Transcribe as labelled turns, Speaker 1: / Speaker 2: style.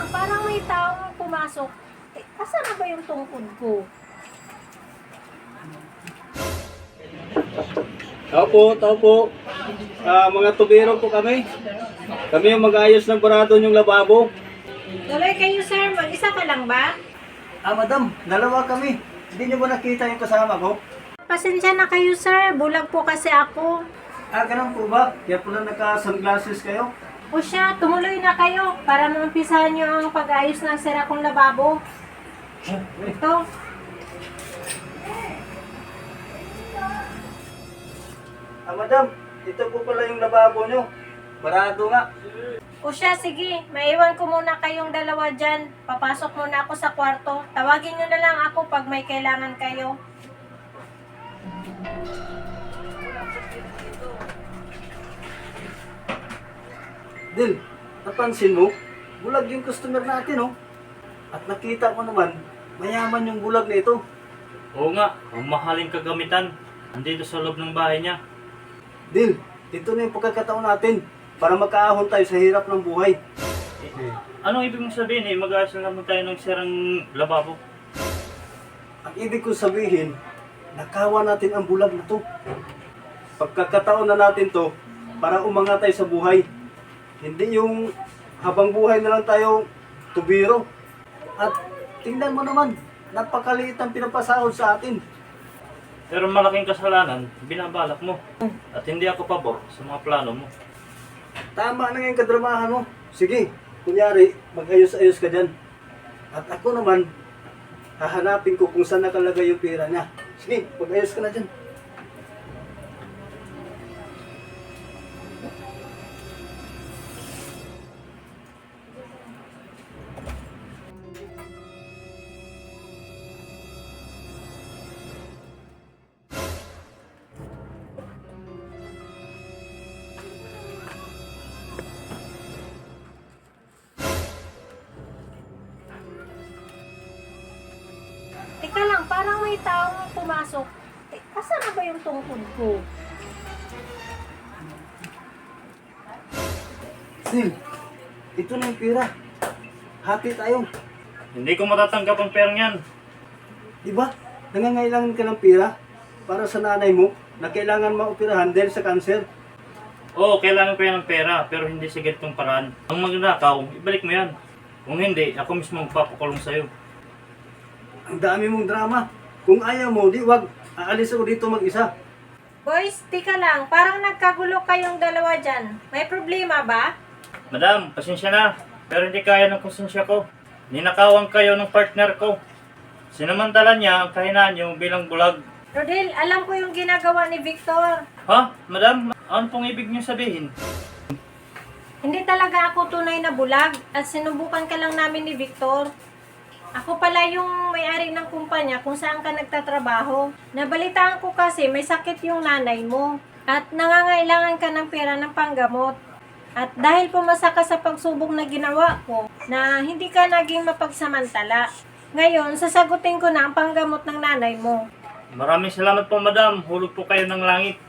Speaker 1: lang, parang may taong pumasok. Asan na ba yung tungkod ko?
Speaker 2: Tao po. Mga tubero po kami. Kami yung mag-ayos ng barado yung lababo.
Speaker 1: Tuloy kayo, sir. Mag-isa ka lang ba?
Speaker 2: Madam, dalawa kami. Hindi niyo ba nakita yung kasama ko?
Speaker 1: Pasensya na kayo, sir. Bulag po kasi ako.
Speaker 2: Ganun po ba? Kaya pala naka-sunglasses kayo?
Speaker 1: O siya, tumuloy na kayo para maumpisahan niyo ang pag-ayos ng sira kong lababo. Ito.
Speaker 2: Madam, ito po pala yung lababo nyo. Barado nga.
Speaker 1: O siya, sige. Maiwan ko muna kayong dalawa dyan. Papasok muna ako sa kwarto. Tawagin niyo na lang ako pag may kailangan kayo.
Speaker 2: Dil, napansin mo? Bulag yung customer natin, oh. At nakita ko naman, mayaman yung bulag na ito.
Speaker 3: Oo nga, ang mahaling kagamitan. Andito sa loob ng bahay niya.
Speaker 2: Dil, ito na yung pagkakataon natin para makaahon tayo sa hirap ng buhay.
Speaker 3: Anong ibig mong sabihin mag-aayos na naman tayo ng sirang lababo?
Speaker 2: Ang ibig kong sabihin, nakawa natin ang bulag na to. Pagkakataon na natin to para umangat tayo sa buhay. Hindi yung habang buhay na lang tayo tubiro. At tingnan mo naman, napakaliit ang pinapasahod sa atin.
Speaker 3: Pero malaking kasalanan, binabalak mo. At hindi ako pabor sa mga plano mo.
Speaker 2: Tama na yung kadramahan mo. Sige, kunyari, mag-ayos-ayos ka dyan. At ako naman, hahanapin ko kung saan nakalagay yung pera niya. Sige, mag-ayos ka na dyan.
Speaker 1: Teka lang, parang may taong pumasok. Asan na ba yung tungkod ko?
Speaker 2: Sil, ito na yung pera. Hati tayo.
Speaker 3: Hindi ko matatanggap ang perang yan.
Speaker 2: Diba? Nangangailangan ka ng pera para sa nanay mo na kailangan maoperahan dahil sa cancer.
Speaker 3: Oo, kailangan ko yan ng pera, pero hindi sa ganitong paraan. Ang magnakaw, ibalik mo yan. Kung hindi, ako mismo magpapakulong sa'yo.
Speaker 2: Ang dami mong drama. Kung ayaw mo, di wag. Aalis ako dito mag-isa.
Speaker 1: Boys, tika lang. Parang nagkagulo kayong dalawa dyan. May problema ba?
Speaker 3: Madam, pasensya na. Pero hindi kaya ng konsensya ko. Ninakawan kayo ng partner ko. Sinamantala niya ang kahinaan niyo bilang bulag.
Speaker 1: Rodel, alam ko yung ginagawa ni Victor.
Speaker 3: Ha? Madam, ano pong ibig niyo sabihin?
Speaker 1: Hindi talaga ako tunay na bulag at sinubukan ka lang namin ni Victor. Ako pala yung may-ari ng kumpanya kung saan ka nagtatrabaho. Nabalitaan ko kasi may sakit yung nanay mo at nangangailangan ka ng pera ng panggamot. At dahil pumasa ka sa pagsubok na ginawa ko na hindi ka naging mapagsamantala, ngayon sasagutin ko na ang panggamot ng nanay mo.
Speaker 3: Maraming salamat po, madam. Hulog po kayo ng langit.